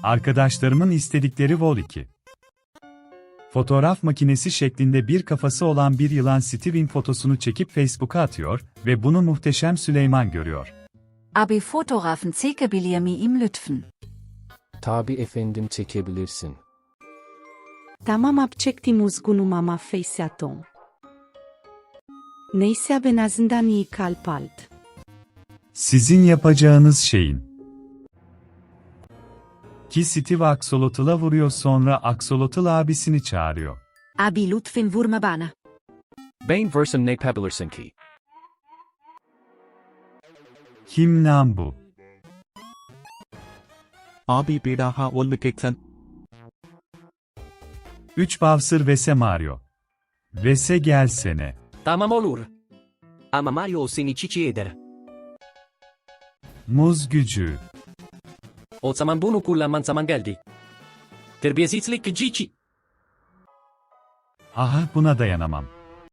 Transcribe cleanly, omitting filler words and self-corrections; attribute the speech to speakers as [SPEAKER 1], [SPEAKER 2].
[SPEAKER 1] Arkadaşlarımın istedikleri Vol 2. Fotoğraf makinesi şeklinde bir kafası olan bir yılan Steven fotosunu çekip Facebook'a atıyor ve bunu muhteşem Süleyman görüyor.
[SPEAKER 2] Abi fotoğrafın çekebilir miyim lütfen?
[SPEAKER 3] Tabii efendim, çekebilirsin.
[SPEAKER 4] Tamam abi, çektim uzgunum ama face atom. Neyse ben azından iyi kalp aldı.
[SPEAKER 1] Sizin yapacağınız şeyin. Ki Steve Axolotl'a vuruyor, sonra Axolotl abisini çağırıyor.
[SPEAKER 2] Abi lütfen vurma bana.
[SPEAKER 5] Ben versin ne yapabilirsin ki?
[SPEAKER 1] Kim lan bu?
[SPEAKER 6] Abi bir daha olmayacaksın.
[SPEAKER 1] 3 Bowser vs Mario. Vs gelsene.
[SPEAKER 5] Tamam olur. Ama Mario seni çiçeği eder.
[SPEAKER 1] Muz gücü.
[SPEAKER 5] O zaman bunu kullanman zaman geldi. Terbiyesizlik cici.
[SPEAKER 1] Aha, buna dayanamam.